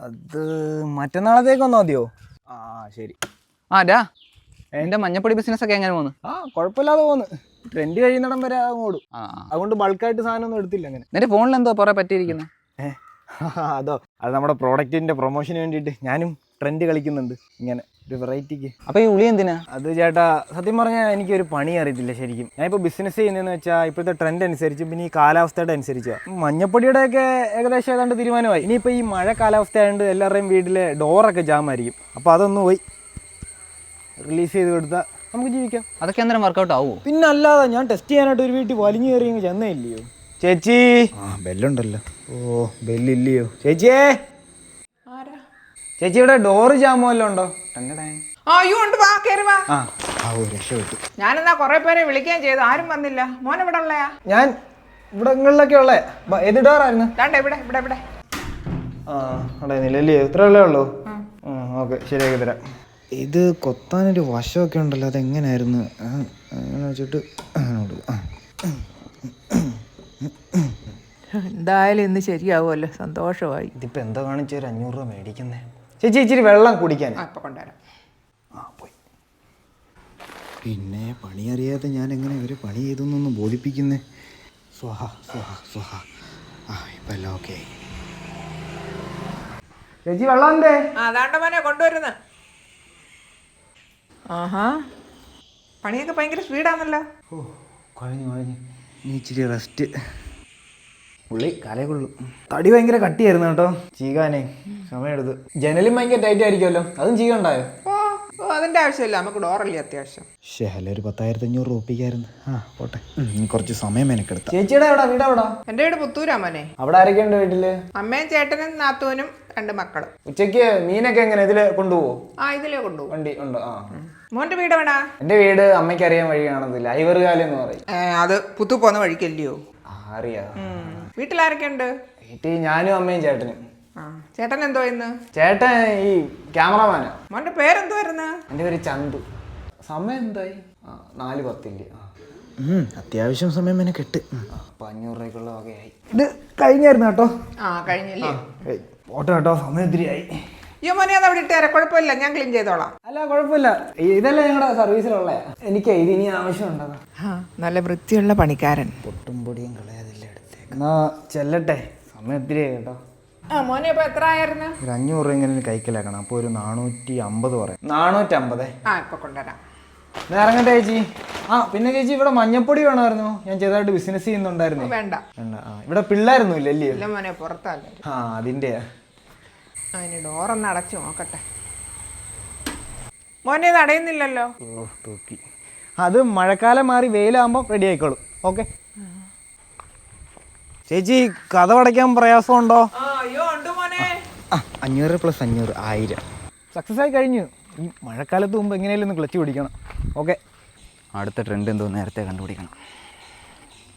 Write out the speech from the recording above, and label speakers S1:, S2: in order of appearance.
S1: അത് മറ്റന്നാളത്തേക്ക് വന്നാൽ മതിയോ? ആ ശരി.
S2: ഡാ എൻ്റെ മഞ്ഞപ്പൊടി ബിസിനസ് ഒക്കെ എങ്ങനെ പോകുന്നു?
S1: കുഴപ്പമില്ലാതെ പോകുന്നു. ട്രെൻഡ് കഴിയുന്നിടം വരെ ഓടും. അതുകൊണ്ട് ബൾക്കായിട്ട് സാധനം ഒന്നും എടുത്തില്ല. അങ്ങനെ
S2: നിന്റെ ഫോണിൽ എന്തോ പുറേ പറ്റിയിരിക്കുന്നത്?
S1: അതോ, അത് നമ്മുടെ പ്രോഡക്റ്റിന്റെ പ്രൊമോഷന് വേണ്ടിയിട്ട് ഞാനും ട്രെൻഡ് കളിക്കുന്നുണ്ട്, ഇങ്ങനെ ഒരു വെറൈറ്റിക്ക്.
S2: അപ്പോൾ ഈ ഉളി എന്തിനാ?
S1: അത് ചേട്ടാ, സത്യം പറഞ്ഞാൽ എനിക്കൊരു പണി അറിയത്തില്ല ശരിക്കും. ഞാനിപ്പോൾ ബിസിനസ് ചെയ്യുന്നതെന്ന് വെച്ചാൽ ഇപ്പോഴത്തെ ട്രെൻഡ് അനുസരിച്ച്, പിന്നെ ഈ കാലാവസ്ഥയുടെ അനുസരിച്ചാണ്. മഞ്ഞപ്പൊടിയുടെയൊക്കെ ഏകദേശം ഏതാണ്ട് തീരുമാനമായി. ഇനിയിപ്പോൾ ഈ മഴ കാലാവസ്ഥ ആയതുകൊണ്ട് എല്ലാവരുടെയും വീട്ടിലെ ഡോറൊക്കെ ജാമായിരിക്കും. അപ്പോൾ അതൊന്ന് പോയി റിലീസ് ചെയ്ത് കൊടുത്താൽ നമുക്ക് ജീവിക്കാം.
S2: അതൊക്കെ അന്നേരം വർക്കൗട്ട് ആവുമോ?
S1: പിന്നെ അല്ലാതെ, ഞാൻ ടെസ്റ്റ് ചെയ്യാനായിട്ട് ഒരു വീട്ടിൽ വലിഞ്ഞു കയറി ചെന്നേ ഇല്ലയോ ചേച്ചി. ബെല്ലുണ്ടല്ലോ. ഓ, ബെല്ലില്ലയോ ചേച്ചിയേ? ചേച്ചി ഇവിടെ ഡോറ് ജാമോ വല്ലതും ഉണ്ടോ? രക്ഷപ്പെട്ടു.
S3: ഞാനെന്നാ കൊറേ പേരെ വിളിക്കുകയും ചെയ്തു, ആരും വന്നില്ല. മോൻ ഇവിടെ ഉള്ളയാ?
S1: ഞാൻ ഇവിടങ്ങളിലൊക്കെ ഉള്ളേ. ഏത് ഡോറായിരുന്നു?
S3: ഇവിടെ ഇവിടെ ഇവിടെ.
S1: നിലല്ലേ ഇത്രയല്ലേ ഉള്ളൂ? ഓക്കെ, ശരിയാക്കി തരാം. ഇത് കൊത്താനൊരു വശമൊക്കെ ഉണ്ടല്ലോ, അതെങ്ങനെയായിരുന്നു? അങ്ങനെ വെച്ചിട്ട്
S3: എന്തായാലും ഇന്ന് ശരിയാവുമല്ലോ, സന്തോഷമായി.
S1: ഇതിപ്പോൾ എന്താ കാണിച്ച ഒരു 500 രൂപ മേടിക്കുന്നേ? ചേച്ചി ഇച്ചിരി വെള്ളം കുടിക്കാൻ.
S3: ഇപ്പൊ കൊണ്ടുവരാം.
S1: പോയി. പിന്നെ പണി അറിയാതെ ഞാൻ എങ്ങനെ ഇവര് പണി ചെയ്തൊന്നും ബോധിപ്പിക്കുന്നേ? സ്വഹ സ്വഹ സ്വഹ. ഇപ്പം എല്ലാം ഓക്കെ. ചേച്ചി വെള്ളം എന്തേ?
S3: അതാണ്ട മോനെ കൊണ്ടുവരുന്നു. പണിയൊക്കെ ഭയങ്കര സ്പീഡാണല്ലോ.
S1: കഴിഞ്ഞു. നീ ഇച്ചിരി റെസ്റ്റ്. പുള്ളി കലകൊള്ളും. തടി ഭയങ്കര കട്ടിയായിരുന്നു കേട്ടോ, ചീകാനേ സമയമെടുത്ത്. ജനലും ഭയങ്കര ടൈറ്റ് ആയിരിക്കുമല്ലോ, അതും ചീകണ്ടായോ?
S3: അതിന്റെ ആവശ്യമില്ല, നമുക്ക് ഡോറല്ലേ അത്യാവശ്യം.
S1: അല്ല, ഒരു 10,500 രൂപ ഒപ്പിക്കായിരുന്നു. പോട്ടെ, കുറച്ച് സമയം മെനക്കെടുത്ത. ചേച്ചിയുടെ വീട് എവിടാ?
S3: എന്റെ വീട് പുത്തൂരാ മോനെ.
S1: അവിടെ ആരൊക്കെയുണ്ട് വീട്ടില്?
S3: അമ്മയും ചേട്ടനും നാത്തൂനും 2 മക്കളും.
S1: ഉച്ചക്ക് മീനൊക്കെ എങ്ങനെ ഇതില് കൊണ്ടുപോവോ?
S3: ഇതിലേ കൊണ്ടുപോകും.
S1: വണ്ടി ഉണ്ടോ?
S3: മോന്റെ വീട് എവിടാ?
S1: എന്റെ വീട് അമ്മയ്ക്ക് അറിയാൻ വഴി കാണത്തില്ല, ഐവറുകാലം എന്ന് പറയും.
S3: അത് പുത്തു പോന്ന വഴിക്കല്ലയോ?
S1: അറിയാം.
S3: വീട്ടിലാരൊക്കെ ഉണ്ട്?
S1: വീട്ടിൽ ഞാനും അമ്മയും ചേട്ടനും.
S3: ചേട്ടൻ എന്തോ ഇന്ന്?
S1: ചേട്ടൻ ഈ ക്യാമറമാനാ.
S3: മോന്റെ പേരെന്തുവായിരുന്നു?
S1: എന്റെ പേര് ചന്തു. സമയം എന്തായി? 4:10. അത്യാവശ്യം സമയം എന്നെ കെട്ട്. 500 രൂപയ്ക്കുള്ള വകയായി. ഇത് കഴിഞ്ഞായിരുന്നു കേട്ടോ.
S3: കഴിഞ്ഞില്ലേ?
S1: ഓട്ടോ കേട്ടോ, സമയം ഒത്തിരിയായി.
S3: അയ്യോ മോനെ, അത് അവിടെ ഇട്ടേരെ, കുഴപ്പമില്ല, ഞാൻ ക്ലീൻ ചെയ്തോളാം.
S1: അല്ല കുഴപ്പമില്ല, ഇതല്ല ഞങ്ങളുടെ സർവീസിലുള്ള. എനിക്ക് ഇതിനി ആവശ്യമുണ്ടോ?
S3: നല്ല വൃത്തിയുള്ള പണിക്കാരൻ.
S1: പൊട്ടും പൊടിയും കളയാതില്ല എടുത്തേക്ക്. എന്നാ ചെല്ലട്ടെ, സമയം ഒത്തിരിയായി കേട്ടോ.
S3: മോനെ ഇപ്പൊ എത്ര ആയിരുന്നു?
S1: ഒരു 500 രൂപ ഇങ്ങനെ കൈക്കലാക്കണം. അപ്പോൾ ഒരു 450 പറയാം. 450.
S3: ഇപ്പൊ കൊണ്ടുവരാം.
S1: ഇറങ്ങട്ടെ ചേച്ചി. പിന്നെ ചേച്ചി, ഇവിടെ മഞ്ഞപ്പൊടി വേണമായിരുന്നു. ഞാൻ ചെറുതായിട്ട് ബിസിനസ് ചെയ്യുന്നുണ്ടായിരുന്നു.
S3: വേണ്ട.
S1: ഇവിടെ പിള്ളേരൊന്നും ഇല്ലല്ലേ?
S3: ഇല്ല മോനെ, പുറത്തല്ലേ.
S1: അതിന്റെയാ.
S3: അതിന് ഡോറൊന്ന് അടച്ചു നോക്കട്ടെ. മോനെ ഇത് അടയുന്നില്ലല്ലോ.
S1: തൂക്കി. അത് മഴക്കാലം മാറി വെയിലാകുമ്പോൾ റെഡി ആയിക്കോളും. ഓക്കെ ചേച്ചി, കഥ അടയ്ക്കാൻ പ്രയാസമുണ്ടോ? 500 + 500 1000. സക്സസ് ആയി കഴിഞ്ഞു. ഈ മഴക്കാലത്ത് മുമ്പ് എങ്ങനെയാലും ഒന്ന് ക്ലച്ച് പിടിക്കണം. ഓക്കെ,
S2: അടുത്ത ട്രെൻഡ് എന്തോ നേരത്തെ കണ്ടുപിടിക്കണം.